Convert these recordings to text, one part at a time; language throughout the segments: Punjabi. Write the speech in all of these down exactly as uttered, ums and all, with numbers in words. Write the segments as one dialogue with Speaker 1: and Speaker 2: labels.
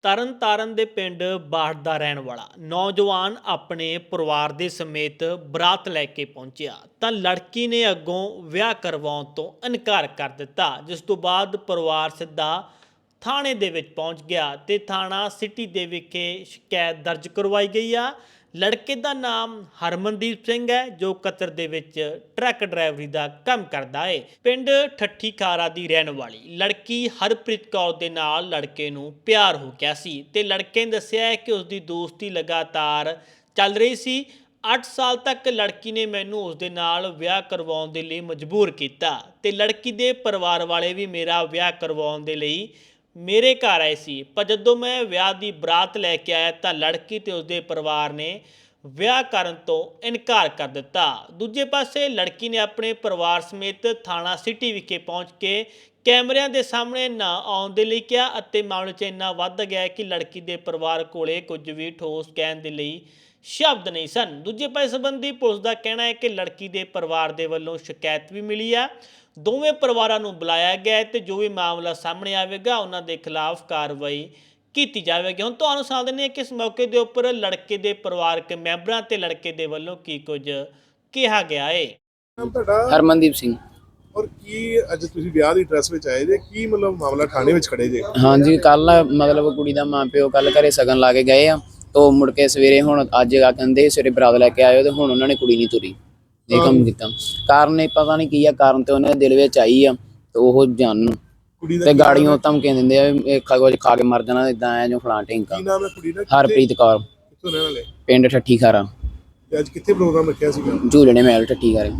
Speaker 1: ਤਰਨ ਤਾਰਨ ਦੇ ਪਿੰਡ ਬਾੜ ਦਾ ਰਹਿਣ ਵਾਲਾ ਨੌਜਵਾਨ ਆਪਣੇ ਪਰਿਵਾਰ ਦੇ ਸਮੇਤ ਬਰਾਤ ਲੈ ਕੇ ਪਹੁੰਚਿਆ ਤਾਂ ਲੜਕੀ ਨੇ ਅੱਗੋਂ ਵਿਆਹ ਕਰਵਾਉਣ ਤੋਂ ਇਨਕਾਰ ਕਰ ਦਿੱਤਾ, ਜਿਸ ਤੋਂ ਬਾਅਦ ਪਰਿਵਾਰ ਸਿੱਧਾ ਥਾਣੇ ਦੇ ਵਿੱਚ ਪਹੁੰਚ ਗਿਆ ਤੇ ਥਾਣਾ ਸਿਟੀ ਦੇ ਵਿਖੇ ਸ਼ਿਕਾਇਤ ਦਰਜ ਕਰਵਾਈ ਗਈ ਆ। ਲੜਕੇ ਦਾ ਨਾਮ ਹਰਮਨਦੀਪ ਸਿੰਘ ਹੈ, ਜੋ ਕਤਰ ਦੇ ਵਿੱਚ ਟਰੱਕ ਡਰਾਈਵਰੀ ਦਾ ਕੰਮ ਕਰਦਾ ਹੈ। ਪਿੰਡ ਠੱਠੀ ਖਾਰਾ ਦੀ ਰਹਿਣ ਵਾਲੀ ਲੜਕੀ ਹਰਪ੍ਰੀਤ ਕੌਰ ਦੇ ਨਾਲ ਲੜਕੇ ਨੂੰ ਪਿਆਰ ਹੋ ਗਿਆ ਸੀ ਤੇ ਲੜਕੇ ਨੇ ਦੱਸਿਆ ਹੈ ਕਿ ਉਸ ਦੀ ਦੋਸਤੀ ਲਗਾਤਾਰ ਚੱਲ ਰਹੀ ਸੀ। ਅੱਠ ਸਾਲ ਤੱਕ ਲੜਕੀ ਨੇ ਮੈਨੂੰ ਉਸ ਦੇ ਨਾਲ ਵਿਆਹ ਕਰਵਾਉਣ ਦੇ ਲਈ ਮਜਬੂਰ ਕੀਤਾ ਤੇ ਲੜਕੀ ਦੇ ਪਰਿਵਾਰ ਵਾਲੇ ਵੀ ਮੇਰਾ ਵਿਆਹ ਕਰਵਾਉਣ ਦੇ ਲਈ ਮੇਰੇ ਘਰ ਆਏ ਸੀ, ਪਰ ਜਦੋਂ ਮੈਂ ਵਿਆਹ ਦੀ ਬਰਾਤ ਲੈ ਕੇ ਆਇਆ ਤਾਂ ਲੜਕੀ ਤੇ ਉਸਦੇ ਪਰਿਵਾਰ ਨੇ ਵਿਆਹ ਕਰਨ ਤੋਂ ਇਨਕਾਰ ਕਰ ਦਿੱਤਾ। ਦੂਜੇ ਪਾਸੇ ਲੜਕੀ ਨੇ ਆਪਣੇ ਪਰਿਵਾਰ ਸਮੇਤ ਥਾਣਾ ਸਿਟੀ ਵਿਖੇ ਪਹੁੰਚ ਕੇ ਕੈਮਰਿਆਂ ਦੇ ਸਾਹਮਣੇ ਨਾ ਆਉਣ ਦੇ ਲਈ ਕਿਹਾ ਅਤੇ ਮਾਮਲੇ 'ਚ ਇੰਨਾ ਵੱਧ ਗਿਆ ਕਿ ਲੜਕੀ ਦੇ ਪਰਿਵਾਰ ਕੋਲੇ ਕੁਝ ਵੀ ਠੋਸ ਕਹਿਣ ਦੇ ਲਈ ਸ਼ਬਦ ਨਹੀਂ ਸਨ। ਦੂਜੇ ਪਾਸੇ ਸੰਬੰਧੀ ਪੁਲਿਸ ਦਾ ਕਹਿਣਾ ਹੈ ਕਿ ਲੜਕੀ ਦੇ ਪਰਿਵਾਰ ਦੇ ਵੱਲੋਂ ਸ਼ਿਕਾਇਤ ਵੀ ਮਿਲੀ ਆ। ਦੋਵੇਂ ਪਰਿਵਾਰਾਂ ਨੂੰ ਬੁਲਾਇਆ ਗਿਆ ਤੇ ਜੋ ਵੀ ਮਾਮਲਾ ਸਾਹਮਣੇ ਆਵੇਗਾ ਉਹਨਾਂ ਦੇ ਖਿਲਾਫ ਕਾਰਵਾਈ ਕੀਤੀ ਜਾਵੇਗੀ। ਹੁਣ ਤੁਹਾਨੂੰ ਸੁਣਾ ਦਿੰਦੇ ਹਾਂ ਕਿ ਇਸ ਮੌਕੇ ਦੇ ਉੱਪਰ ਲੜਕੇ ਦੇ ਪਰਿਵਾਰਕ ਮੈਂਬਰਾਂ ਤੇ ਲੜਕੇ ਦੇ ਵੱਲੋਂ ਕੀ ਕੁਝ ਕਿਹਾ ਗਿਆ ਹੈ।
Speaker 2: ਹਰਮਨਦੀਪ ਸਿੰਘ।
Speaker 3: ਔਰ ਕੀ ਅੱਜ ਤੁਸੀਂ ਵਿਆਹ ਦੀ ਡਰੈਸ ਵਿੱਚ ਆਏ ਜੇ, ਕੀ ਮਤਲਬ ਮਾਮਲਾ ਥਾਣੇ ਵਿੱਚ ਖੜੇ ਜੇ?
Speaker 2: ਹਾਂਜੀ, ਕੱਲ ਮਤਲਬ ਕੁੜੀ ਦਾ ਮਾਂ ਪਿਓ ਕੱਲ ਘਰੇ ਸਗਨ ਲਾ ਕੇ ਗਏ ਆ, ਤੋਂ ਮੁੜ ਕੇ ਸਵੇਰੇ ਹੁਣ ਅੱਜ ਆ ਕਹਿੰਦੇ ਸਵੇਰੇ ਬਰਾਤ ਲੈ ਕੇ ਆਇਓ ਤੇ ਹੁਣ ਉਹਨਾਂ ਨੇ ਕੁੜੀ ਨਹੀਂ ਤੁਰੀ। ਇਹ ਕੰਮ ਕੀਤਾ ਕਾਰਨ ਇਹ ਪਤਾ ਨਹੀਂ ਕੀ ਆ, ਕਾਰਨ ਤੇ ਉਹਨਾਂ ਦੇ ਦਿਲ ਵਿੱਚ ਆਈ ਆ ਤੇ ਉਹ ਜਾਣਨ ਤੇ ਗਾੜੀਆਂ ਧਮਕੀਆਂ ਦਿੰਦੇ ਆ ਇਹ ਕੁਝ ਖਾ ਕੇ ਮਰ ਜਾਣਾ, ਇਦਾਂ ਆ ਜੋ ਫਲਾਂ ਢਿੰਕਾ।
Speaker 3: ਕੀ ਨਾਮ ਹੈ ਕੁੜੀ ਦਾ?
Speaker 2: ਹਰਪ੍ਰੀਤ ਕੌਰ।
Speaker 3: ਕਿੱਥੋਂ ਰਹਿਣ ਵਾਲੇ?
Speaker 2: ਪਿੰਡ ਠੱਠੀ ਖਾਰਾ।
Speaker 3: ਤੇ ਅੱਜ ਕਿੱਥੇ ਪ੍ਰੋਗਰਾਮ ਰੱਖਿਆ ਸੀਗਾ?
Speaker 2: ਝੂਲਣੇ ਮਹਿਲ ਠੱਠੀ ਖਾਰੇ।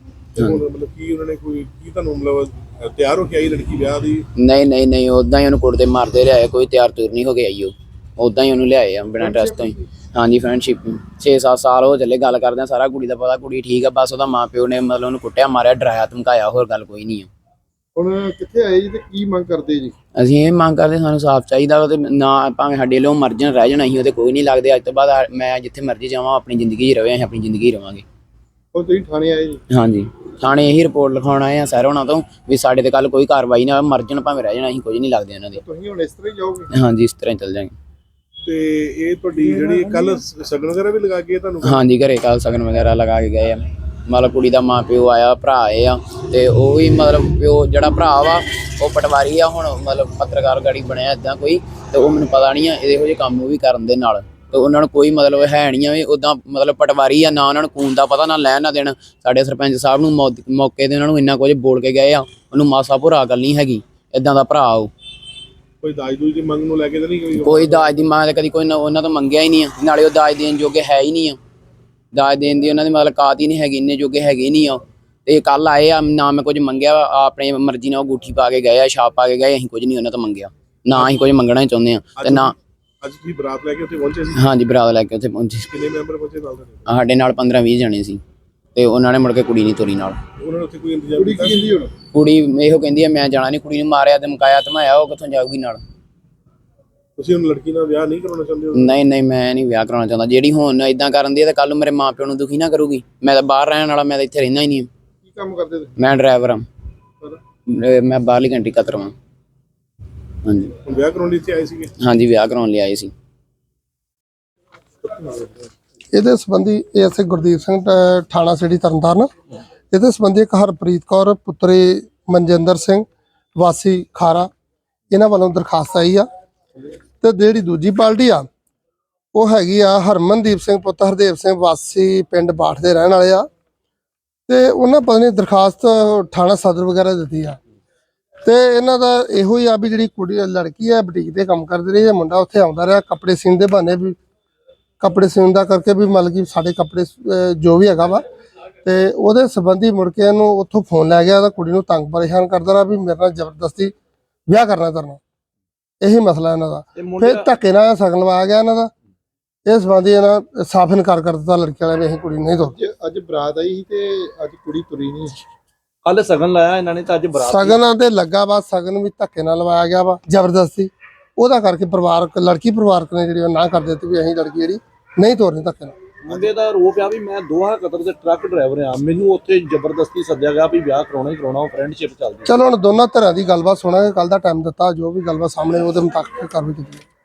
Speaker 3: ਮਤਲਬ ਕੀ ਉਹਨਾਂ ਨੇ ਕੋਈ ਕੀ ਤੁਹਾਨੂੰ ਮਤਲਬ ਤਿਆਰ ਹੋ ਕੇ ਆਈ ਲੜਕੀ ਵਿਆਹ ਦੀ?
Speaker 2: ਨਹੀਂ ਨਹੀਂ ਨਹੀਂ ਉਦਾਂ ਹੀ ਉਹਨੂੰ ਕੁੱਟਦੇ ਮਾਰਦੇ ਲਿਆਏ, ਕੋਈ ਤਿਆਰ ਤੁਰ ਨਹੀਂ ਹੋ ਕੇ ਆਈ। ਉਹ ਉਦਾਂ ਹੀ ਉਹਨੂੰ ਲਿਆਏ ਆ ਬਿਨਾਂ ਡਰੈਸ ਤੋਂ ਹੀ। ਹਾਂਜੀ, ਫਰੈਂਡਸ਼ਿਪ ਛੇ ਸੱਤ ਸਾਲ ਹੋ ਚੱਲੇ ਗੱਲ ਕਰਦੇ ਆ, ਸਾਰਾ ਕੁੜੀ ਦਾ ਪਤਾ, ਕੁੜੀ ਠੀਕ ਆ, ਬਸ ਉਹਦਾ ਮਾਂ ਪਿਓ ਨੇ ਮਤਲਬ ਉਹਨੂੰ ਕੁੱਟਿਆ ਮਾਰਿਆ ਡਰਾਇਆ ਧਮਕਾਇਆ, ਹੋਰ ਗੱਲ ਕੋਈ ਨਹੀਂ ਆ।
Speaker 3: ਹੁਣ ਕਿੱਥੇ ਆਏ ਜੀ ਤੇ ਕੀ ਮੰਗ ਕਰਦੇ ਜੀ?
Speaker 2: ਅਸੀਂ ਇਹ ਮੰਗ ਕਰਦੇ ਸਾਨੂੰ ਸਾਫ਼ ਚਾਹੀਦਾ ਤੇ ਨਾ ਭਾਵੇਂ ਸਾਡੇ ਲੋਕ ਮਰ ਜਾਣ ਰਹਿ ਜਾਣ, ਅਸੀਂ ਉਹਦੇ ਕੋਈ ਨਹੀਂ ਲੱਗਦੇ। ਅੱਜ ਤੋਂ ਬਾਅਦ ਮੈਂ ਜਿੱਥੇ ਮਰਜ਼ੀ ਜਾਵਾਂ ਆਪਣੀ ਜ਼ਿੰਦਗੀ 'ਚ ਰਵੇ, ਅਸੀਂ ਆਪਣੀ ਜ਼ਿੰਦਗੀ ਰਵਾਂਗੇ।
Speaker 3: ਹੁਣ ਤੁਸੀਂ ਥਾਣੇ ਆਏ ਜੀ?
Speaker 2: ਹਾਂਜੀ, ਥਾਣੇ ਇਹੀ ਰਿਪੋਰਟ ਲਿਖਾਉਣ ਆਏ ਆ ਸਰ ਉਹਨਾਂ ਤੋਂ ਵੀ ਸਾਡੇ ਤੇ ਕੱਲ ਕੋਈ ਕਾਰਵਾਈ ਨਾ ਮਰ ਜਾਣ ਭਾਵੇਂ ਰਹਿ ਜਾਣ, ਅਸੀਂ ਕੁਝ ਨਹੀਂ ਲੱਗਦੇ ਇਹਨਾਂ ਦੇ।
Speaker 3: ਤੁਸੀਂ ਹੁਣ ਇਸ ਤਰ੍ਹਾਂ ਹੀ ਜਾਓਗੇ?
Speaker 2: ਹਾਂਜੀ, ਇਸ ਤਰ੍ਹਾਂ ਹੀ ਚੱਲ ਜਾਵਾਂਗੇ।
Speaker 3: ਤੇ ਇਹ ਤੁਹਾਡੀ ਜਿਹੜੀ ਕੱਲ ਸਗਨ ਵਗੈਰਾ ਵੀ ਲਗਾ ਕੇ ਤੁਹਾਨੂੰ?
Speaker 2: ਹਾਂਜੀ, ਘਰੇ ਕੱਲ ਸਗਨ ਵਗੈਰਾ ਲਗਾ ਕੇ ਗਏ ਆ। ਮਤਲਬ ਕੁੜੀ ਦਾ ਮਾਂ ਪਿਓ ਆਇਆ, ਭਰਾ ਆਏ ਆ ਤੇ ਉਹ ਵੀ ਮਤਲਬ ਪਿਓ ਜਿਹੜਾ ਭਰਾ ਵਾ ਉਹ ਪਟਵਾਰੀ ਆ, ਹੁਣ ਮਤਲਬ ਪੱਤਰਕਾਰ ਗਾੜੀ ਬਣਿਆ ਇੱਦਾਂ ਕੋਈ, ਤੇ ਉਹ ਮੈਨੂੰ ਪਤਾ ਨਹੀਂ ਆ ਇਹੋ ਜਿਹੇ ਕੰਮ ਉਹ ਵੀ ਕਰਨ ਦੇ ਨਾਲ, ਤੇ ਉਹਨਾਂ ਨੂੰ ਕੋਈ ਮਤਲਬ ਹੈ ਨਹੀਂ ਆ ਵੀ ਉੱਦਾਂ ਮਤਲਬ ਪਟਵਾਰੀ ਆ, ਨਾ ਉਹਨਾਂ ਨੂੰ ਖੂਨ ਦਾ ਪਤਾ ਨਾ ਲੈਣ ਨਾ ਦੇਣ। ਸਾਡੇ ਸਰਪੰਚ ਸਾਹਿਬ ਨੂੰ ਮੌਕੇ ਤੇ ਉਹਨਾਂ ਨੂੰ ਇੰਨਾ ਕੁਝ ਬੋਲ ਕੇ ਗਏ ਆ, ਉਹਨੂੰ ਮਾਸਾ ਭੁਰਾ ਗੱਲ ਨਹੀਂ ਹੈਗੀ, ਇੱਦਾਂ ਦਾ ਭਰਾ ਉਹ।
Speaker 3: ਕੋਈ ਦਾਜ ਦੂਜ ਦੀ ਮੰਗ ਨੂੰ ਲੈ ਕੇ ਤਾਂ ਨਹੀਂ? ਕੋਈ
Speaker 2: ਕੋਈ ਦਾਜ ਦੀ ਮੰਗ ਕਦੀ ਕੋਈ ਉਹਨਾਂ ਤੋਂ ਮੰਗਿਆ ਹੀ ਨਹੀਂ ਆ, ਨਾਲੇ ਉਹ ਦਾਜ ਦੇਣ ਜੋਗੇ ਹੈ ਹੀ ਨਹੀਂ ਆ, ਦਾਜ ਦੇਣ ਦੀ ਉਹਨਾਂ ਦੀ ਮਤਲਬ ਕਾਤ ਹੀ ਨਹੀਂ ਹੈਗੀ, ਇੰਨੇ ਜੋਗੇ ਹੈਗੇ ਨਹੀਂ ਆ। ਤੇ ਕੱਲ ਆਏ ਆ, ਨਾ ਮੈਂ ਕੁਝ ਮੰਗਿਆ, ਆਪਣੀ ਮਰਜ਼ੀ ਨਾਲ ਉਹ ਅੰਗੂਠੀ ਪਾ ਕੇ ਗਏ ਆ, ਛਾਪ ਪਾ ਕੇ ਗਏ, ਅਸੀਂ ਕੁਝ ਨਹੀਂ ਉਹਨਾਂ ਤੋਂ ਮੰਗਿਆ, ਨਾ ਅਸੀਂ ਕੁਝ ਮੰਗਣਾ ਹੀ ਚਾਹੁੰਦੇ ਆ। ਤੇ ਨਾ
Speaker 3: ਅੱਜ ਤੁਸੀਂ ਬਰਾਤ ਲੈ ਕੇ ਉੱਥੇ ਪਹੁੰਚੇ ਸੀ?
Speaker 2: ਹਾਂਜੀ, ਬਰਾਤ ਲੈ ਕੇ ਉੱਥੇ ਪਹੁੰਚੇ।
Speaker 3: ਕਿੰਨੇ ਮੈਂਬਰ ਪਹੁੰਚੇ ਨਾਲ?
Speaker 2: ਸਾਡੇ ਨਾਲ ਪੰਦਰਾਂ ਵੀਹ ਜਣੇ ਸੀ ਤੇ ਉਹਨਾਂ ਨੇ ਮੁੜ ਕੇ ਕੁੜੀ ਨਹੀਂ ਤੋਰੀ ਨਾਲ।
Speaker 3: ਉਹਨਾਂ ਨੇ ਉੱਥੇ ਕੋਈ ਇੰਤਜ਼ਾਮ ਕੀਤਾ? ਹੁਣ
Speaker 2: ਕੁੜੀ ਇਹੋ ਕਹਿੰਦੀ ਆ ਮੈਂ ਜਾਣਾ ਨਹੀਂ, ਕੁੜੀ ਨੂੰ ਮਾਰਿਆ ਧਮਕਾਇਆ ਧਮਾਇਆ, ਉਹ ਕਿੱਥੋਂ ਜਾਊਗੀ ਨਾਲ।
Speaker 3: ਤੁਸੀਂ ਹੁਣ ਲੜਕੀ ਨਾਲ ਵਿਆਹ ਨਹੀਂ ਕਰਾਉਣਾ ਚਾਹੁੰਦੇ ਹੋ?
Speaker 2: ਨਹੀਂ ਨਹੀਂ, ਮੈਂ ਨਹੀਂ ਵਿਆਹ ਕਰਾਉਣਾ ਚਾਹੁੰਦਾ। ਜਿਹੜੀ ਹੁਣ ਇਦਾਂ ਕਰਨ ਦੀ ਹੈ ਤਾਂ ਕੱਲ ਨੂੰ ਮੇਰੇ ਮਾਂ ਪਿਓ ਨੂੰ ਦੁਖੀ ਨਾ ਕਰੂਗੀ। ਮੈਂ ਤਾਂ ਬਾਹਰ ਰਹਿਣ ਵਾਲਾ, ਮੈਂ ਤਾਂ ਇੱਥੇ ਰਹਿੰਦਾ ਹੀ ਨਹੀਂ।
Speaker 3: ਕੀ ਕੰਮ ਕਰਦੇ ਤੁਸੀਂ?
Speaker 2: ਮੈਂ ਡਰਾਈਵਰ ਹਾਂ, ਮੈਂ ਬਾਹਰਲੀ ਕੰਟਰੀ ਕਤਰ ਹਾਂ। ਹਾਂਜੀ।
Speaker 3: ਹੁਣ ਵਿਆਹ ਕਰਾਉਣ ਲਈ ਇੱਥੇ ਆਏ ਸੀਗੇ?
Speaker 2: ਹਾਂਜੀ, ਵਿਆਹ ਕਰਾਉਣ ਲਈ ਆਏ ਸੀ।
Speaker 4: ਇਹਦੇ ਸੰਬੰਧੀ ਐਸਏ ਗੁਰਦੀਪ ਸਿੰਘ ਥਾਣਾ ਸਿਟੀ ਤਰਨਤਾਰਨ, ਇਹਦੇ ਸੰਬੰਧੀ ਇੱਕ ਹਰਪ੍ਰੀਤ ਕੌਰ ਪੁੱਤਰੀ ਮਨਜਿੰਦਰ ਸਿੰਘ ਵਾਸੀ ਖਾਰਾ, ਇਹਨਾਂ ਵੱਲੋਂ ਦਰਖਾਸਤ ਆਈ ਆ। ਤੇ ਜਿਹੜੀ ਦੂਜੀ ਪਾਰਟੀ ਆ ਉਹ ਹੈਗੀ ਆ ਹਰਮਨਦੀਪ ਸਿੰਘ ਪੁੱਤ ਹਰਦੇਵ ਸਿੰਘ ਵਾਸੀ ਪਿੰਡ ਬਾਠ ਦੇ ਰਹਿਣ ਵਾਲੇ ਆ, ਤੇ ਉਹਨਾਂ ਪਤਾ ਨਹੀਂ ਦਰਖਾਸਤ ਥਾਣਾ ਸਦਰ ਵਗੈਰਾ ਦਿੱਤੀ ਆ। ਤੇ ਇਹਨਾਂ ਦਾ ਇਹੋ ਹੀ ਆ ਵੀ ਜਿਹੜੀ ਕੁੜੀ ਲੜਕੀ ਆ ਬੁਟੀਕ ਤੇ ਕੰਮ ਕਰਦੀ ਰਹੀ ਹੈ, ਮੁੰਡਾ ਉੱਥੇ ਆਉਂਦਾ ਰਿਹਾ ਕੱਪੜੇ ਸੀਨ ਦੇ ਬਹਾਨੇ, ਵੀ ਕੱਪੜੇ ਸੀਨ ਦਾ ਕਰਕੇ ਵੀ ਮਤਲਬ ਕਿ ਸਾਡੇ ਕੱਪੜੇ ਜੋ ਵੀ ਹੈਗਾ ਵਾ, ਤੇ ਉਹਦੇ ਸੰਬੰਧੀ ਮੁੜ ਕੇ ਇਹਨੂੰ ਉੱਥੋਂ ਫੋਨ ਲੈ ਗਿਆ ਤਾਂ ਕੁੜੀ ਨੂੰ ਤੰਗ ਪਰੇਸ਼ਾਨ ਕਰਦਾ ਰਿਹਾ ਵੀ ਮੇਰੇ ਨਾਲ ਜ਼ਬਰਦਸਤੀ ਵਿਆਹ ਕਰਨਾ ਕਰਨਾ, ਇਹੀ ਮਸਲਾ ਇਹਨਾਂ ਦਾ। ਫਿਰ ਧੱਕੇ ਨਾਲ ਸਗਨ ਲਵਾਇਆ ਗਿਆ ਇਹਨਾਂ ਦਾ, ਇਸ ਸੰਬੰਧੀ ਇਹਨਾਂ ਸਾਫ਼ ਇਨਕਾਰ ਕਰ ਦਿੱਤਾ ਲੜਕੀ ਵਾਲਿਆਂ ਨੇ, ਅਸੀਂ ਕੁੜੀ ਨਹੀਂ ਤੋਰੀ।
Speaker 3: ਅੱਜ ਬਰਾਤ ਆਈ ਸੀ ਤੇ ਅੱਜ ਕੁੜੀ ਤੁਰੀ ਨਹੀਂ।
Speaker 5: ਕੱਲ ਸਗਨ ਲਾਇਆ ਇਹਨਾਂ ਨੇ ਤਾਂ ਅੱਜ ਬਰਾਤ
Speaker 4: ਸਗਨਾਂ ਤੇ ਲੱਗਾ ਵਾ, ਸਗਨ ਵੀ ਧੱਕੇ ਨਾਲ ਲਵਾਇਆ ਗਿਆ ਵਾ ਜ਼ਬਰਦਸਤੀ, ਉਹਦਾ ਕਰਕੇ ਪਰਿਵਾਰਕ ਲੜਕੀ ਪਰਿਵਾਰਕ ਨੇ ਜਿਹੜੀ ਨਾ ਕਰ ਦਿੱਤੀ ਵੀ ਅਸੀਂ ਲੜਕੀ ਜਿਹੜੀ ਨਹੀਂ ਤੋਰਨੀ ਧੱਕੇ ਨਾਲ।
Speaker 5: ਮੁੰਡੇ ਦਾ ਰੋਪ ਆ ਵੀ ਮੈਂ ਦੋਹਾ ਕਤਰ ਦੇ ਟਰੱਕ ਡਰਾਈਵਰ ਆ, ਮੈਨੂੰ ਉੱਥੇ ਜ਼ਬਰਦਸਤੀ ਸੱਦਿਆ ਗਿਆ ਵੀ ਵਿਆਹ ਕਰਾਉਣਾ ਹੀ ਕਰਾਉਣਾ, ਉਹ ਫਰੈਂਡਸ਼ਿਪ ਚੱਲਦੀ।
Speaker 4: ਚਲੋ ਹੁਣ ਦੋਨਾਂ ਧਿਰਾਂ ਦੀ ਗੱਲਬਾਤ ਸੁਣਾਂਗੇ, ਕੱਲ ਦਾ ਟਾਈਮ ਦਿੱਤਾ, ਜੋ ਵੀ ਗੱਲਬਾਤ ਸਾਹਮਣੇ ਉਹਦੇ ਮੁਤਾਬਕ ਕਾਰਵਾਈ ਕੀਤੀ।